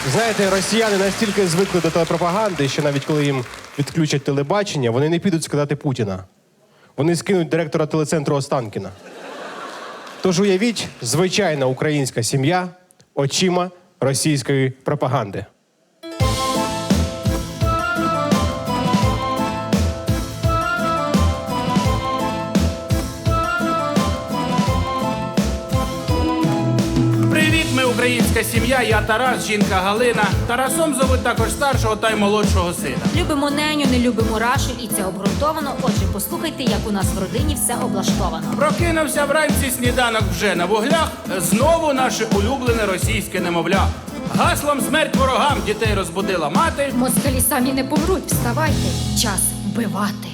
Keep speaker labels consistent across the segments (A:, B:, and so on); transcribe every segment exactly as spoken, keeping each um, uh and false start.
A: Знаєте, росіяни настільки звикли до телепропаганди, що навіть коли їм відключать телебачення, вони не підуть сказати Путіна. Вони скинуть директора телецентру Останкіна. Тож уявіть, звичайна українська сім'я очима російської пропаганди.
B: Привіт, ми українська сім'я, я Тарас, жінка Галина. Тарасом зовуть також старшого та й молодшого сина.
C: Любимо неню, не любимо Рашель, і це обґрунтовано. Отже, послухайте, як у нас в родині все облаштовано.
B: Прокинувся вранці, сніданок вже на вуглях, знову наше улюблене російське немовля. Гаслом «Смерть ворогам» дітей розбудила мати.
C: Москалі самі не помруть, вставайте, час вбивати.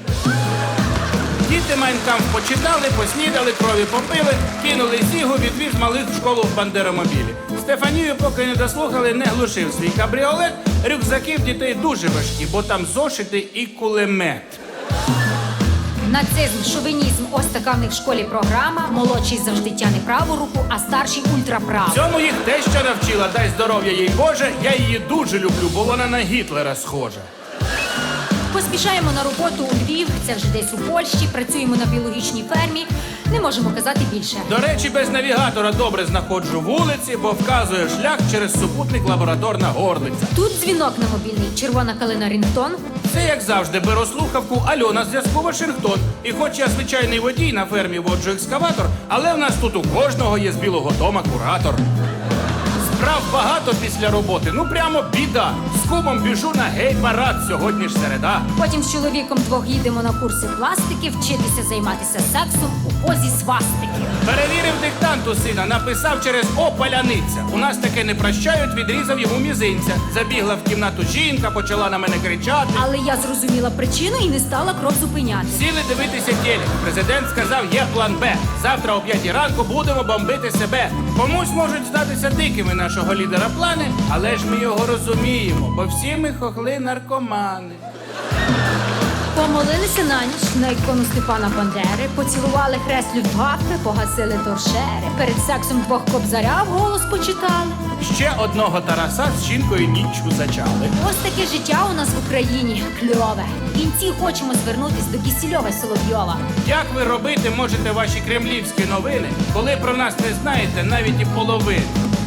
B: Діти Майнкамф почитали, поснідали, крові попили, кинули зігу, відвіз малих в школу в бандеромобілі. Стефанію, поки не дослухали, не глушив свій кабріолет. Рюкзаки в дітей дуже важкі, бо там зошити і кулемет.
C: Нацизм, шовінізм, ось така в них в школі програма. Молодший завжди тяне праву руку, а старший ультраправу.
B: Цьому їх теща навчила, дай здоров'я їй Боже. Я її дуже люблю, бо вона на Гітлера схожа.
C: Поспішаємо на роботу у Львів, це вже десь у Польщі, працюємо на біологічній фермі, не можемо казати більше.
B: До речі, без навігатора добре знаходжу вулиці, бо вказує шлях через супутник лабораторна горлиця.
C: Тут дзвінок на мобільний, червона калина Рінгтон.
B: Це, як завжди, беру слухавку, альо, на зв'язку Вашингтон. І хоч я звичайний водій, на фермі воджу екскаватор, але в нас тут у кожного є з Білого дома куратор. Справ багато після роботи, ну прямо біда. З кумом біжу на гей-парад, сьогодні ж середа.
C: Потім з чоловіком двох їдемо на курси пластики, вчитися займатися сексом у позі свастики.
B: Перевірив диктанту сина, написав через «О, паляниця». У нас таке не прощають, відрізав йому мізинця. Забігла в кімнату жінка, почала на мене кричати.
C: Але я зрозуміла причину і не стала кров зупиняти.
B: Сіли дивитися телек. Президент сказав, є план Б. Завтра о п'ятій ранку будемо бомбити себе. Комусь можуть здатися дикими нашого лідера плани, але ж ми його розуміємо, бо всі ми хохли наркомани.
C: Помолилися на ніч на ікону Степана Бандери, поцілували хрест Люфтваффе, погасили торшери, перед сексом двох кобзаря вголос почитали.
B: Ще одного Тараса з жінкою ніччю зачали.
C: Ось таке життя у нас в Україні кльове. В кінці хочемо звернутись до Кісільова й Соловйова.
B: Як ви робити можете ваші кремлівські новини, коли про нас не знаєте навіть і половини?